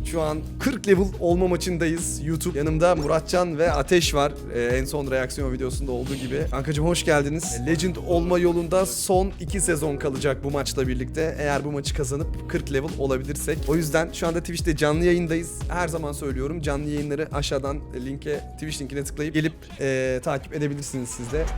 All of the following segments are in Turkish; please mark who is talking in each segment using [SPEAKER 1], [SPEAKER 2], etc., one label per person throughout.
[SPEAKER 1] Şu an 40 level olma maçındayız. YouTube yanımda Muratcan ve Ateş var. En son reaksiyon videosunda olduğu gibi. Kankacığım hoş geldiniz. Legend olma yolunda son 2 sezon kalacak bu maçla birlikte. Eğer bu maçı kazanıp 40 level olabilirsek. O yüzden şu anda Twitch'te canlı yayındayız. Her zaman söylüyorum, canlı yayınları aşağıdan Twitch linkine tıklayıp gelip takip edebilirsiniz siz de.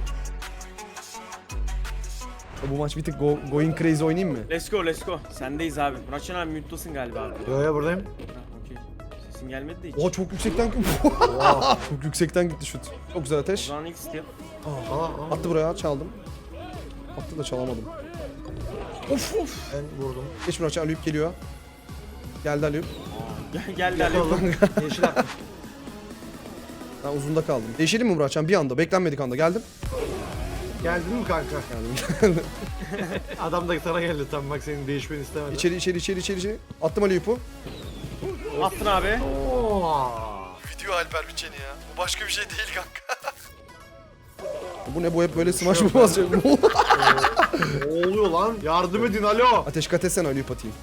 [SPEAKER 1] Bu maç bir tık going crazy oynayayım mı?
[SPEAKER 2] Let's go. Sendeyiz abi. Muratcan abi mute'lasın galiba abi.
[SPEAKER 3] Yo buradayım.
[SPEAKER 2] Ha, okey. Sesin gelmedi de hiç.
[SPEAKER 1] Oha çok yüksekten çok yüksekten gitti şut. Çok güzel
[SPEAKER 2] O
[SPEAKER 1] Ateş.
[SPEAKER 2] zaman ilk step.
[SPEAKER 1] Attı buraya, çaldım. Attı da çalamadım. Of.
[SPEAKER 3] Ben vurdum.
[SPEAKER 1] Geç Muratcan, Alüyüp geliyor. Geldi Alüyüp.
[SPEAKER 2] Geldi Ali.
[SPEAKER 3] Yeşil attım.
[SPEAKER 1] Ben uzunda kaldım. Değişelim mi Muratcan? Bir anda, beklenmedik anda geldim.
[SPEAKER 3] Geldin mi kanka?
[SPEAKER 1] Geldim.
[SPEAKER 3] Adam da sana geldi tam bak senin değişmeni istemedi.
[SPEAKER 1] İçeri. Attım Alüyüp'ü.
[SPEAKER 2] Attın abi.
[SPEAKER 3] Oo.
[SPEAKER 1] Video Alper Biçeni ya. Bu başka bir şey değil kanka. Bu ne, bu hep böyle smash mı basacak?
[SPEAKER 3] Ne oluyor lan? Yardım edin alo.
[SPEAKER 1] Ateş kat etsene, Alüyüp atayım.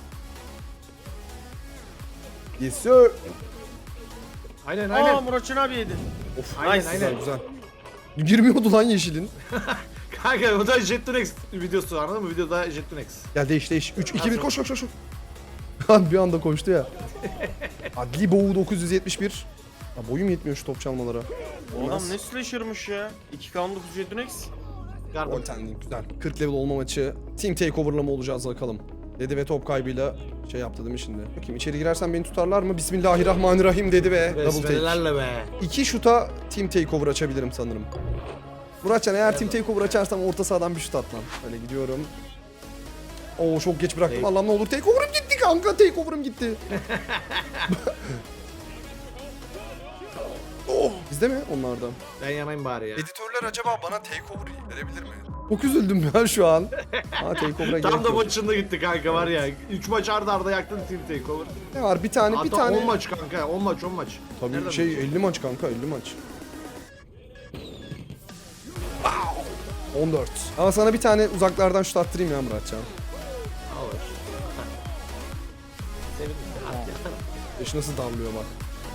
[SPEAKER 1] Yes sir.
[SPEAKER 3] Aynen
[SPEAKER 2] Aa Muratcan abi yedi.
[SPEAKER 1] Of,
[SPEAKER 3] Aynen,
[SPEAKER 2] nice.
[SPEAKER 3] aynen.
[SPEAKER 1] güzel. Girmiyordu lan yeşilin.
[SPEAKER 3] Kanka o da Jettunex videosu anladın mı? Videoda Jettunex.
[SPEAKER 1] Gel değiş. 3, 2, 1 koş. Lan bir anda koştu ya. Adli Boğu 971. Ya boyum yetmiyor şu top çalmalara.
[SPEAKER 2] O adam ne slasher'mış ya. 2K19 Jettunex.
[SPEAKER 3] Garbon.
[SPEAKER 1] Goaltending güzel. 40 level olma maçı. Team takeover'la mı olacağız bakalım. Dedi ve top kaybıyla şey yaptı değil mi şimdi? Bakayım içeri girersen beni tutarlar mı? Bismillahirrahmanirrahim dedi ve double take.
[SPEAKER 3] Besmelelerle be.
[SPEAKER 1] 2 şuta team takeover açabilirim sanırım. Muratcan eğer team takeover açarsam orta sahadan bir şut at lan. Öyle gidiyorum. Oo çok geç bıraktım. Allah'ım ne olur takeover'ım gitti kanka. Takeover'ım gitti. Oh, bizde mi onlarda?
[SPEAKER 3] Ben yanayım bari ya.
[SPEAKER 1] Editörler acaba bana takeover verebilir mi? Çok üzüldüm ya şu an. Ha takeover'a gerek
[SPEAKER 3] Tam da
[SPEAKER 1] yok.
[SPEAKER 3] maçında gitti kanka var ya. 3 maç arda yaktın team takeover.
[SPEAKER 1] Ne var bir tane
[SPEAKER 3] Hatta 10 maç kanka 10 maç.
[SPEAKER 1] Tabii
[SPEAKER 3] Nereden
[SPEAKER 1] şey
[SPEAKER 3] biliyorsun?
[SPEAKER 1] 50 maç kanka 50 maç. 14. Ama sana bir tane uzaklardan şut attırayım ya Muratcan.
[SPEAKER 3] Olur. Sevindim.
[SPEAKER 1] Eş nasıl damlıyor bak.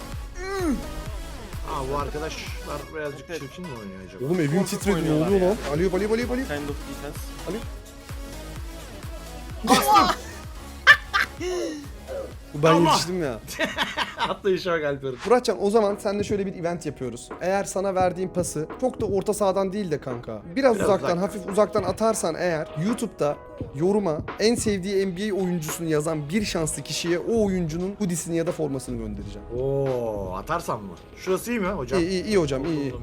[SPEAKER 3] Aa bu arkadaşlar birazcık çirkin mi oynuyor acaba?
[SPEAKER 1] Oğlum evim
[SPEAKER 2] Korkak
[SPEAKER 1] titredi ne
[SPEAKER 2] oynuyorlar
[SPEAKER 1] oluyor
[SPEAKER 2] ya.
[SPEAKER 1] lan? Aliyop.
[SPEAKER 2] Kind of defense.
[SPEAKER 1] Ben
[SPEAKER 3] Allah!
[SPEAKER 1] yetiştim ya.
[SPEAKER 3] Atlayışa bak Alper'in.
[SPEAKER 1] Muratcan o zaman seninle şöyle bir event yapıyoruz. Eğer sana verdiğim pası çok da orta sahadan değil de kanka. Biraz uzaktan, hafif uzaktan atarsan eğer YouTube'da yoruma en sevdiği NBA oyuncusunu yazan bir şanslı kişiye o oyuncunun hoodiesini ya da formasını göndereceğim.
[SPEAKER 3] Oo atarsam mı? Şurası iyi mi hocam?
[SPEAKER 1] İyi hocam iyi.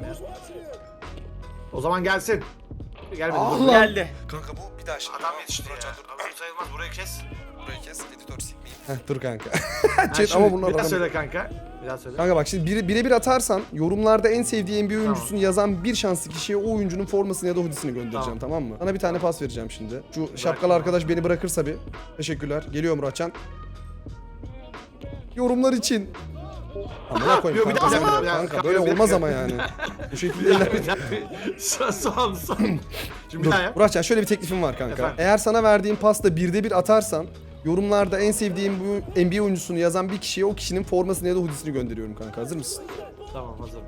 [SPEAKER 3] O zaman gelsin. Gelmedi.
[SPEAKER 1] Allah!
[SPEAKER 2] Geldi.
[SPEAKER 1] Kanka bu bir daha şimdi.
[SPEAKER 3] Adam yetişti ya. Abi sayılmaz burayı kes.
[SPEAKER 1] Burayı kes, editör sikmeyin. Heh dur kanka.
[SPEAKER 3] Ha,
[SPEAKER 1] Chat
[SPEAKER 3] şimdi
[SPEAKER 1] ama bunlar
[SPEAKER 3] bir daha
[SPEAKER 1] adam.
[SPEAKER 3] söyle kanka. Bir daha söyle.
[SPEAKER 1] Kanka bak şimdi birebir atarsan yorumlarda en sevdiği NBA oyuncusunu yazan bir şanslı kişiye o oyuncunun formasını ya da hoodiesini göndereceğim tamam mı? Sana bir tane pas vereceğim şimdi. Şu şapkalı arkadaş beni bırakırsa bir. Teşekkürler. Geliyor Muratcan. Yorumlar için. Amına koyayım
[SPEAKER 3] Yok, bir
[SPEAKER 1] kanka,
[SPEAKER 3] daha,
[SPEAKER 1] sen
[SPEAKER 3] bir
[SPEAKER 1] de-
[SPEAKER 3] daha.
[SPEAKER 1] kanka
[SPEAKER 3] Bir
[SPEAKER 1] böyle
[SPEAKER 3] daha.
[SPEAKER 1] olmaz ama yani. Bu şekilde
[SPEAKER 3] Bir
[SPEAKER 1] ilerle.
[SPEAKER 3] daha. Son. Şimdi bir daha yap.
[SPEAKER 1] Muratcan şöyle bir teklifim var kanka.
[SPEAKER 3] Efendim?
[SPEAKER 1] Eğer sana verdiğim pasta 1'de 1 atarsan yorumlarda en sevdiğim bu NBA oyuncusunu yazan bir kişiye o kişinin formasını ya da hoodiesini gönderiyorum kanka. Hazır mısın?
[SPEAKER 3] Tamam hazırım.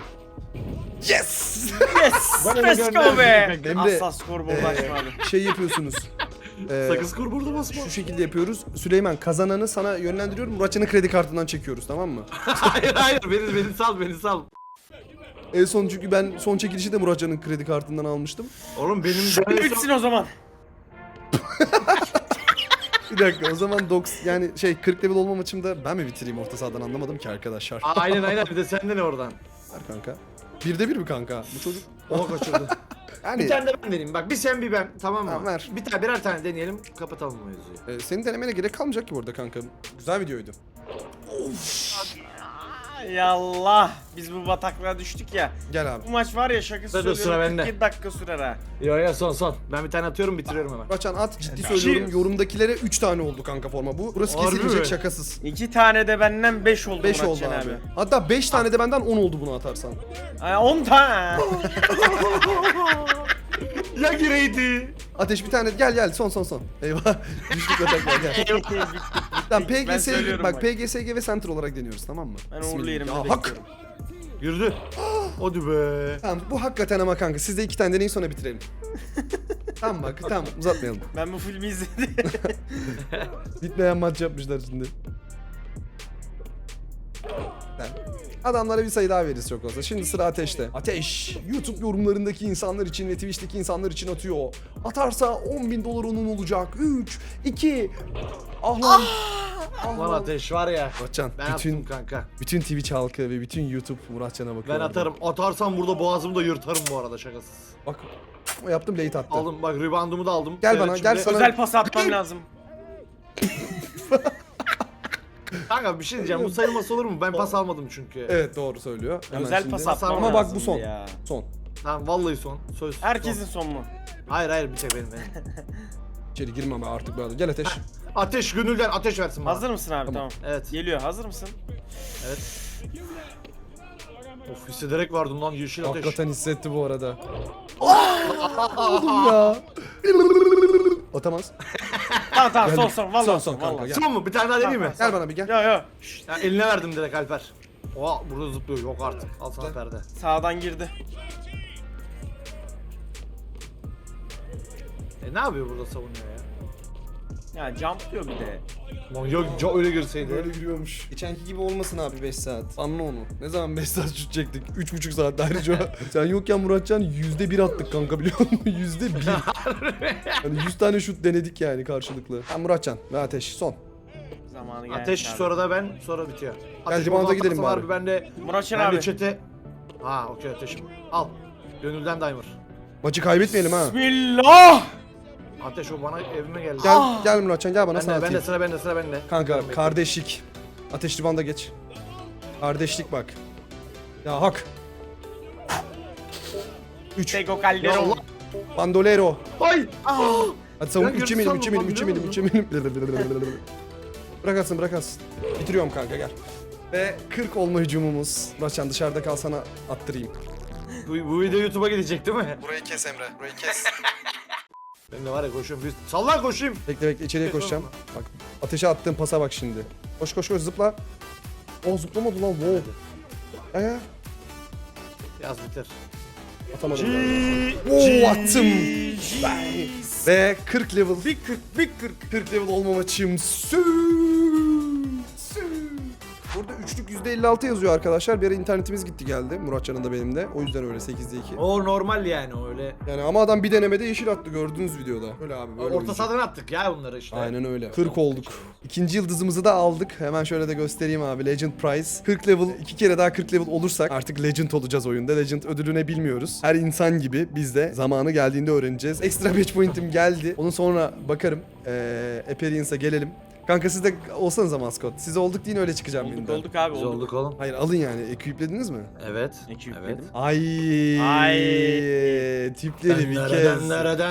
[SPEAKER 1] Yes!
[SPEAKER 2] Yes.
[SPEAKER 3] Bana
[SPEAKER 2] Let's
[SPEAKER 3] gönder.
[SPEAKER 2] go be.
[SPEAKER 1] Emre,
[SPEAKER 2] Asla skorboard açma abi.
[SPEAKER 1] Şey yapıyorsunuz.
[SPEAKER 3] Sakız kur burada basma.
[SPEAKER 1] Şu şekilde yapıyoruz. Süleyman kazananı sana yönlendiriyorum. Muratcan'ın kredi kartından çekiyoruz tamam mı?
[SPEAKER 3] hayır beni sal.
[SPEAKER 1] En son çünkü ben son çekilişi de Muratcan'ın kredi kartından almıştım.
[SPEAKER 3] Oğlum benim
[SPEAKER 2] Bitsin o zaman.
[SPEAKER 1] Bir dakika o zaman yani 40 level olma maçımda ben mi bitireyim orta sahadan anlamadım ki arkadaşlar.
[SPEAKER 3] Aynen bir de sende ne oradan?
[SPEAKER 1] Ver kanka. 1'de 1 mi kanka? Bu çocuk.
[SPEAKER 3] O kaçırdı.
[SPEAKER 1] Yani
[SPEAKER 3] Bir tane de ben vereyim. Bak bir sen bir ben. Tamam mı?
[SPEAKER 1] Tamam, ver.
[SPEAKER 3] Birer tane deneyelim. Kapatalım bu mevzuyu.
[SPEAKER 1] senin denemene gerek kalmayacak ki burada kanka. Güzel videoydu.
[SPEAKER 2] Yallah. Biz bu bataklığa düştük ya.
[SPEAKER 1] Gel abi.
[SPEAKER 2] Bu maç var ya şakası
[SPEAKER 3] Dur, sıra
[SPEAKER 2] söylüyorum.
[SPEAKER 3] bende.
[SPEAKER 2] 47 dakika sürer ha.
[SPEAKER 3] Yo son. Ben bir tane atıyorum bitiriyorum hemen.
[SPEAKER 1] Muratcan at ciddi söylüyorum. Yorumdakilere 3 tane oldu kanka forma bu. Burası
[SPEAKER 3] Harbi
[SPEAKER 1] kesilecek
[SPEAKER 3] mi?
[SPEAKER 1] şakasız.
[SPEAKER 2] 2 tane de benden 5 oldu
[SPEAKER 1] 5 oldu
[SPEAKER 2] Muratcan
[SPEAKER 1] abi. Hatta 5 tane de benden 10 oldu bunu atarsan.
[SPEAKER 2] Ay, 10 tane.
[SPEAKER 3] Ya gireydi.
[SPEAKER 1] Ateş bir tane gel son. Eyvah. Düştük atak gel.
[SPEAKER 2] Bitti.
[SPEAKER 1] Tamam
[SPEAKER 2] Ben
[SPEAKER 1] PGS
[SPEAKER 2] söylüyorum
[SPEAKER 1] bak
[SPEAKER 2] bak.
[SPEAKER 1] PGSG ve Center olarak deniyoruz tamam mı?
[SPEAKER 2] Ben
[SPEAKER 1] Bismillah.
[SPEAKER 2] uğurlu yerimde
[SPEAKER 1] Ya hak.
[SPEAKER 2] bekliyorum.
[SPEAKER 3] Girdi. Hadi be.
[SPEAKER 1] Tamam bu hakikaten ama kanka siz de 2 tane deneyin sonra bitirelim. Tamam bak tamam uzatmayalım.
[SPEAKER 2] Ben bu filmi izledim.
[SPEAKER 1] Bitmeyen maç yapmışlar şimdi. Adamlara bir sayı daha veririz çok olsa. Şimdi sıra Ateş'te. Ateş, YouTube yorumlarındaki insanlar için ve Twitch'teki insanlar için atıyor. Atarsa $10.000 onun olacak. 3, 2, ah lan. Ah
[SPEAKER 3] Lan
[SPEAKER 1] lan.
[SPEAKER 3] Ateş var ya.
[SPEAKER 1] Muratcan,
[SPEAKER 3] Ben attım
[SPEAKER 1] bütün
[SPEAKER 3] kanka.
[SPEAKER 1] Twitch halkı ve bütün YouTube Muratcan'a bakıyor.
[SPEAKER 3] Ben atarım. Atarsam burada boğazımı da yırtarım bu arada şakasız.
[SPEAKER 1] Bak, o yaptım late attı.
[SPEAKER 3] Aldım bak reboundumu da aldım.
[SPEAKER 1] Gel
[SPEAKER 3] Seyret
[SPEAKER 1] bana,
[SPEAKER 3] şimdi.
[SPEAKER 1] gel sana.
[SPEAKER 2] Özel pas atmam lazım.
[SPEAKER 3] Kanka bir şey diyeceğim bu sayılması olur mu? Ben pas almadım çünkü.
[SPEAKER 1] Evet doğru söylüyor. Hemen
[SPEAKER 2] Özel
[SPEAKER 1] şimdi.
[SPEAKER 2] pas atmam
[SPEAKER 3] Ama
[SPEAKER 2] lazım.
[SPEAKER 1] bak bu son.
[SPEAKER 2] Ya.
[SPEAKER 1] Son.
[SPEAKER 3] Tamam vallahi son. Söz.
[SPEAKER 2] Herkesin
[SPEAKER 3] son.
[SPEAKER 2] son mu?
[SPEAKER 3] Hayır bir tek benim.
[SPEAKER 1] İçeri girmem ben artık böyle. Gel Ateş.
[SPEAKER 3] Ateş gönülden ateş versin bana.
[SPEAKER 2] Hazır mısın abi?
[SPEAKER 1] Tamam.
[SPEAKER 2] Tamam.
[SPEAKER 3] Evet.
[SPEAKER 2] Geliyor. Hazır mısın?
[SPEAKER 3] Evet. Of hissederek vardım lan yeşil ateş.
[SPEAKER 1] Hakikaten hissetti bu arada. Oğlum ya. Atamaz.
[SPEAKER 2] Tamam tamam
[SPEAKER 1] Geldim.
[SPEAKER 2] son son. Vallahi
[SPEAKER 1] Son,
[SPEAKER 2] son.
[SPEAKER 1] son kanka,
[SPEAKER 2] vallahi.
[SPEAKER 1] gel.
[SPEAKER 3] Son mu? Bir tane daha deneyeyim mi?
[SPEAKER 1] Gel bana bir gel.
[SPEAKER 2] Yo yo.
[SPEAKER 3] Ya, eline verdim direkt Alper. Oha burada zıplıyor yok artık. Al sana perde.
[SPEAKER 2] Sağdan girdi.
[SPEAKER 3] Ne yapıyor burada savunuyor ya?
[SPEAKER 2] Ya jump diyor bir de.
[SPEAKER 3] Lan yok öyle girseydi.
[SPEAKER 1] Böyle giriyormuş. Geçenki gibi olmasın abi 5 saat. Anla onu. Ne zaman 5 saat şut çektik? 3,5 saat ayrıca. Sen yokken Muratcan %1 attık kanka biliyor musun? %1. Hani 100 tane şut denedik yani karşılıklı. Ha Muratcan ve Ateş son.
[SPEAKER 2] Zamanı geldi.
[SPEAKER 3] Ateş
[SPEAKER 2] abi.
[SPEAKER 3] sonra da ben sonra bitiyor. Ateş
[SPEAKER 1] Cimanda
[SPEAKER 3] oradan
[SPEAKER 1] gidelim
[SPEAKER 3] atarsa var
[SPEAKER 1] bari.
[SPEAKER 3] bir ben de
[SPEAKER 2] Muratcan
[SPEAKER 3] ben de
[SPEAKER 2] abi.
[SPEAKER 3] çete. Ha okey ateşim. Al. Gönülden dimer.
[SPEAKER 1] Maçı kaybetmeyelim ha.
[SPEAKER 2] Bismillah.
[SPEAKER 3] Ateş o bana evime geldi.
[SPEAKER 1] Gel Muratcan gel bana
[SPEAKER 3] Ben
[SPEAKER 1] sana
[SPEAKER 3] de, ben de
[SPEAKER 1] atayım.
[SPEAKER 3] sıra bende sıra bende.
[SPEAKER 1] Kanka
[SPEAKER 3] Bekle.
[SPEAKER 1] kardeşlik. Ateş ribanda geç. Kardeşlik bak. Ya hak. 3.
[SPEAKER 2] Tego
[SPEAKER 3] Ya
[SPEAKER 2] Calderon.
[SPEAKER 3] Allah.
[SPEAKER 1] Bandolero.
[SPEAKER 3] Ay.
[SPEAKER 1] Hadi savun
[SPEAKER 3] Ben
[SPEAKER 1] 3 eminim
[SPEAKER 3] sandım
[SPEAKER 1] 3 eminim
[SPEAKER 3] lan,
[SPEAKER 1] 3
[SPEAKER 3] biliyor
[SPEAKER 1] eminim 3 eminim. Bırak atsın bırak atsın. Bitiriyorum kanka gel. Ve 40 olma hücumumuz. Muratcan dışarıda kalsana attırayım.
[SPEAKER 3] Bu video YouTube'a gidecek değil mi?
[SPEAKER 1] Burayı kes Emre. Burayı kes.
[SPEAKER 3] Ben de var ya koşuyorum. Bir sallan koşayım.
[SPEAKER 1] Bekle bekle içeriye koşacağım. Bak ateşe attığım pasa bak şimdi. Koş koş koş zıpla. O zıplamadı lan wow. Ya
[SPEAKER 3] Yaz biter.
[SPEAKER 1] atamadım ben. Oo attım. Ve 40 level.
[SPEAKER 2] Bir 40 bir 40.
[SPEAKER 1] 40 level olma maçım. Burada üçlük %56 yazıyor arkadaşlar. Bir ara internetimiz gitti geldi. Muratcan'ın da benim de. O yüzden öyle 8'de 2.
[SPEAKER 3] O normal yani öyle.
[SPEAKER 1] Yani ama adam bir denemede yeşil attı gördüğünüz videoda. Öyle abi böyle
[SPEAKER 3] Orta
[SPEAKER 1] oynayacak.
[SPEAKER 3] sahadan attık ya bunları işte.
[SPEAKER 1] Aynen öyle. 40 olduk. İkinci yıldızımızı da aldık. Hemen şöyle de göstereyim abi. Legend Prize. 40 level, 2 kere daha 40 level olursak artık Legend olacağız oyunda. Legend ödülü ne bilmiyoruz. Her insan gibi biz de zamanı geldiğinde öğreneceğiz. Ekstra match point'im geldi. Onun sonra bakarım. Experience'a gelelim. Kanka siz de olsanıza maskot. Siz olduk deyin öyle çıkacağım
[SPEAKER 2] Olduk
[SPEAKER 1] birinden.
[SPEAKER 2] olduk abi
[SPEAKER 3] Biz
[SPEAKER 2] olduk.
[SPEAKER 3] olduk oğlum.
[SPEAKER 1] Hayır alın yani. Equiplediniz mi?
[SPEAKER 3] Evet.
[SPEAKER 2] İki
[SPEAKER 3] Evet.
[SPEAKER 2] yükledim.
[SPEAKER 1] Ay. Tipleri bir kez.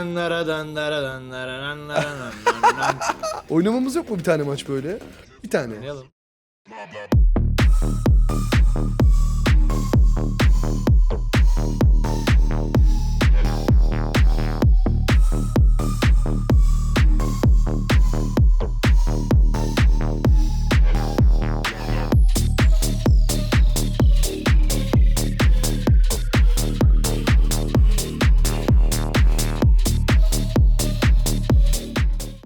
[SPEAKER 1] Oynamamız yok mu bir tane maç böyle? Bir tane.
[SPEAKER 3] Oynayalım.